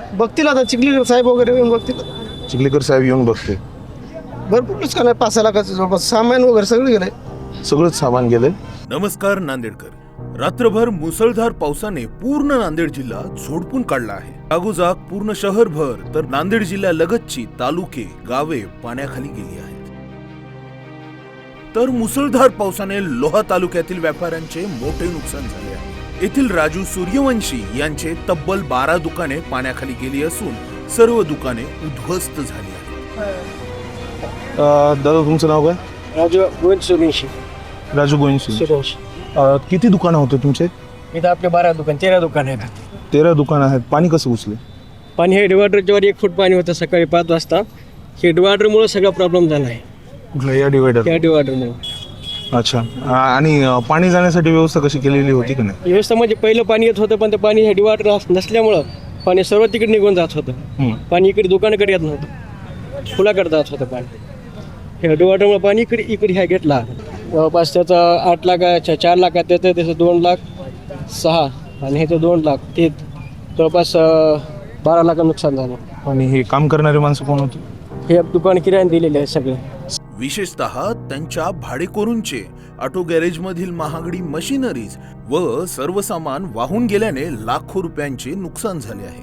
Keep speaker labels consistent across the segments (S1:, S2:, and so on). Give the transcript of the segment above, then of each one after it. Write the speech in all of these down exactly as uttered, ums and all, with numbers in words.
S1: बघतील आता चिखलीकर साहेब वगैरे येऊन बघतील.
S2: चिखलीकर साहेब येऊन बघते.
S1: भरपूर नुकसान आहे, पाच सहा लाखाचं जवळपास सामान वगैरे सगळं गेलंय.
S2: सगळंच सामान गेलंय.
S3: नमस्कार नांदेडकर. रात्रभर मुसळधार पावसाने पूर्ण नांदेड जिल्हा झोडपून काढला आहे. जागोजाग पूर्ण शहरभर तर नांदेड जिल्ह्यालगतची तालुके गावे पाण्याखाली गेली आहेत. तर मुसळधार पावसाने लोहा तालुक्यातील व्यापाऱ्यांचे मोठे नुकसान झाले आहे. येथील राजू सूर्यवंशी यांचे तब्बल बारा दुकाने पाण्याखाली गेली असून सर्व दुकाने उद्ध्वस्त झाली आहेत.
S2: दादा तुमचं नाव काय?
S1: राजू गोविंद सूर्यवंशी.
S2: राजू गोविंद
S1: सूर्यवंशी.
S2: किती दुकानं होते तुमचे?
S1: इथं आपले बारा दुकान तेरा दुकान आहेत.
S2: तेरा दुकानं आहेत. पाणी कसं घुसले?
S1: पाणी हे डिवायडरच्या वर एक फूट पाणी होतं सकाळी पाच वाजता. हे डिवायडरमुळे सगळा प्रॉब्लेम झाला आहे.
S2: कुठलं या डिवायडर?
S1: या डिवायडरमुळे.
S2: अच्छा. आणि अं, पाणी जाण्यासाठी व्यवस्था कशी केलेली होती की नाही?
S1: व्यवस्था म्हणजे पहिलं पाणी येत होतं पण ते पाणी हे डिवायडर नसल्यामुळं पाणी सर्व तिकडे निघून जात होतं.
S2: हम्म.
S1: पाणी इकडे दुकानाकडे येत नव्हतं, फुलाकडे जात होतं पाणी. हे डिवायडरमुळे पाणी इकडे इकडे ह्या घेतला. जवळपास त्याचं आठ लाखाच्या चार लाखात त्याचं त्याचं दोन लाख सहा आणि ह्याचं दोन लाख ते जवळपास अं, बारा लाख नुकसान झालं.
S2: आणि हे काम करणारे माणसं कोण होते?
S1: हे दुकान किरायाने दिलेले आहे सगळे.
S3: विशेषतः त्यांच्या भाडेकरूंचे ऑटो गॅरेज मधील महागडी मशिनरीज व सर्व सामान वाहून गेल्याने लाखो रुपयांचे नुकसान झाले आहे.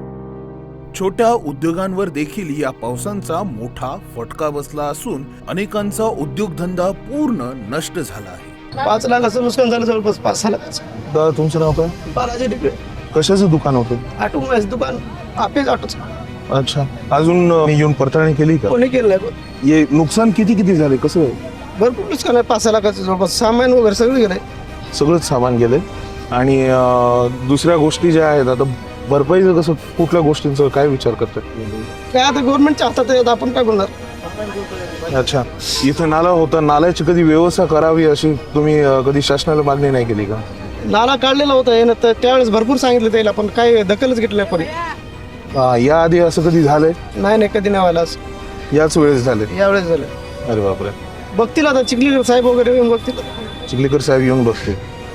S3: छोट्या उद्योगांवर देखील या पावसांचा मोठा फटका बसला असून अनेकांचा उद्योगधंदा पूर्ण नष्ट झाला आहे.
S1: पाच लाखाचं नुकसान झालं जवळपास पाच सहा लाखाचं.
S2: दादा तुमचं नाव काय?
S1: बालाजी डिग्रे.
S2: कशाचं दुकान होतं?
S1: ऑटोमोबाईलचं दुकान आपेच ऑटोचं.
S2: अच्छा. अजून अं, येऊन पडताळणी केली का?
S1: कोणी केलं नाही.
S2: हे नुकसान किती किती झाले? कसं?
S1: भरपूर नुकसान आहे, पाच सहा लाखाचं जवळपास सामान वगैरे सगळं गेलंय.
S2: सगळंच सामान गेलंय. आणि अं, दुसऱ्या गोष्टी ज्या आहेत आता भरपाईचं कसं, कुठल्या गोष्टींचा काय विचार करतात?
S1: काय आता गव्हर्नमेंटच्या हातात आहे, आता आपण काय बोलणार.
S2: अच्छा. इथं नाला होता, नाल्याची कधी व्यवस्था करावी अशी तुम्ही अं, कधी शासनाला मागणी नाही केली का?
S1: नाला काढलेला होता हे ना, तर त्यावेळेस भरपूर सांगितलं त्याला पण काय दखलच घेतली नाही कोणी.
S2: अं, याआधी असं कधी झालंय?
S1: नाही नाही कधी नाही व्हायला असं.
S2: याच वेळेस झाले?
S1: यावेळेस झालं.
S2: अरे बापरे.
S1: बघतील आता चिखलीकर साहेब वगैरे येऊन बघतील.
S2: चिखलीकर साहेब येऊन बघते.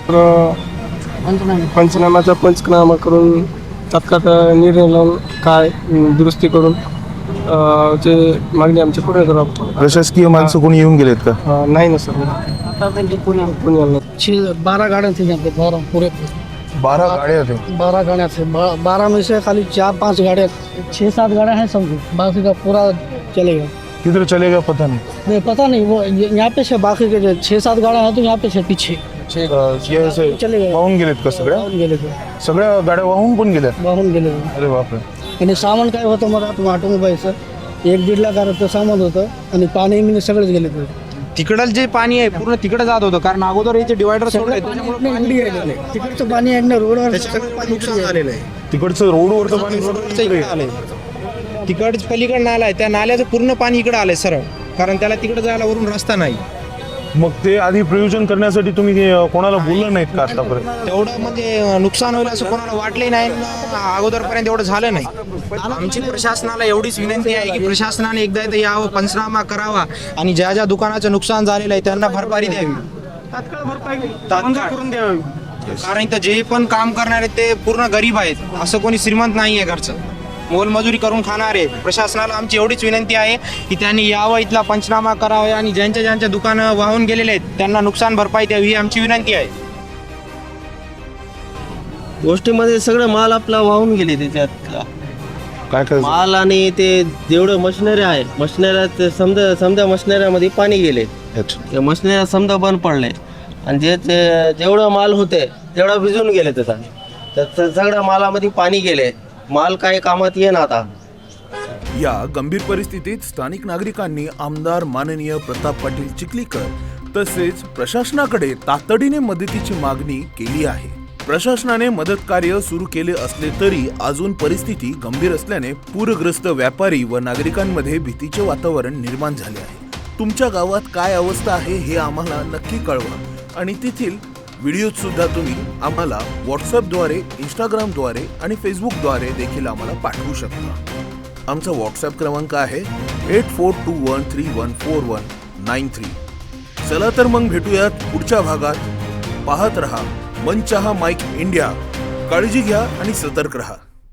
S1: पंचनामाचा पंचनामा करून तात्काळ निर्णय लावून काय दुरुस्ती करून जे मागणी आमची पूर्ण करावं.
S2: प्रशासकीय माणसं कोणी येऊन गेलेत का?
S1: नाही ना सर. बारह गाड़ियाँ थी यहाँ पे, बारह पूरे
S2: बारह गाड़ियाँ थी.
S1: बारह गाड़ियाँ थी. बा- बारह में से खाली चार पांच गाड़ियाँ, छः सात गाड़ियाँ हैं समझो, बाकी का पूरा चलेगा.
S2: किधर चलेगा पता नहीं.
S1: नहीं पता नहीं, वो ये- यहाँ पे से बाकी के जो छः सात गाड़ियाँ हैं तो यहाँ पे से पीछे
S2: अं, हे असे
S1: चलेगा.
S2: वाहून गेलेत का सगळ्या?
S1: वाहून गेले ते.
S2: सगळ्या गाड्या वाहून पण गेल्या?
S1: वाहून गेले.
S2: अरे बापरे.
S1: आणि सामान काय होतं मला ऑटोमोबाईलचं एक दीड लाखाचं सामान होतं आणि पाणी मी सगळेच गेले ते.
S4: तिकडं जे पाणी आहे पूर्ण तिकडे जात होतं कारण अगोदर याचे डिवायडर सोडले
S1: तिकडचं पाणी आहे ना रोडवर
S4: नुकसान झालेलं आहे.
S2: तिकडचं रोडवरचं पाणी
S4: रोडवरचं इकडे आलंय. तिकडच पलीकडे नाला आहे त्या नाल्याचं पूर्ण पाणी इकडे आलंय सरळ कारण त्याला तिकडे जायला वरून रस्ता नाही.
S2: मग ते आधी प्रयोजन करण्यासाठी तुम्ही ते, अं, कोणाला बोललं नाहीत का आतापर्यंत?
S4: तेवढं म्हणजे नुकसान होईल असं कोणाला वाटलंही नाही अगोदरपर्यंत एवढं झालं नाही. आमची प्रशासनाला एवढीच विनंती आहे की प्रशासनाने एकदा इथं यावं, पंचनामा करावा आणि ज्या ज्या दुकानाचं नुकसान झालेलं आहे त्यांना भरपाई द्यावी, तात्काळ करून द्यावी. कारण इथं जे पण काम करणारे ते पूर्ण गरीब आहेत, असं कोणी श्रीमंत नाही आहे घरचं, मोलमजुरी करून खाणारे. प्रशासनाला आमची एवढीच विनंती आहे की त्यांनी यावं, इथला पंचनामा करावा आणि ज्यांच्या ज्यांच्या दुकानं वाहून गेलेले आहेत त्यांना नुकसान भरपाई द्यावी ही आमची विनंती आहे.
S5: गोष्टीमध्ये सगळं माल आपला वाहून गेले त्याच्यात.
S2: काय काय?
S5: माल आणि ते जेवढं मशिनरी आहे मशिनऱ्यात समजा समजा मशिनऱ्यामध्ये पाणी गेले.
S2: अच्छा.
S5: ते मशिनऱ्या समजा बंद पडले आणि जे ते जेवढं माल होते तेवढं भिजून गेले त्याचा. तर सगळ्या मालामध्ये पाणी गेले, माल काही कामात येईन आता.
S3: या गंभीर परिस्थितीत स्थानिक नागरिकांनी आमदार माननीय प्रताप पाटील चिखलीकर तसेच प्रशासनाकडे तातडीने मदतीची मागणी केली आहे. प्रशासनाने मदत कार्य सुरू केले असले तरी अजून परिस्थिती गंभीर असल्याने पूरग्रस्त व्यापारी व नागरिकांमध्ये भीतीचे वातावरण निर्माण झाले आहे. तुमच्या गावात काय अवस्था आहे हे आम्हाला नक्की कळवा आणि तेथील व्हिडिओ सुद्धा तुम्ही आम्हाला व्हॉट्सअपद्वारे, इंस्टाग्रामद्वारे आणि फेसबुकद्वारे देखील आम्हाला पाठवू शकता. आमचा व्हॉट्सअप क्रमांक आहे eight four two one three one four one nine three. चला तर मग भेटूयात पुढच्या भागात. पाहत रहा मनचाहा माईक इंडिया. काळजी घ्या आणि सतर्क रहा.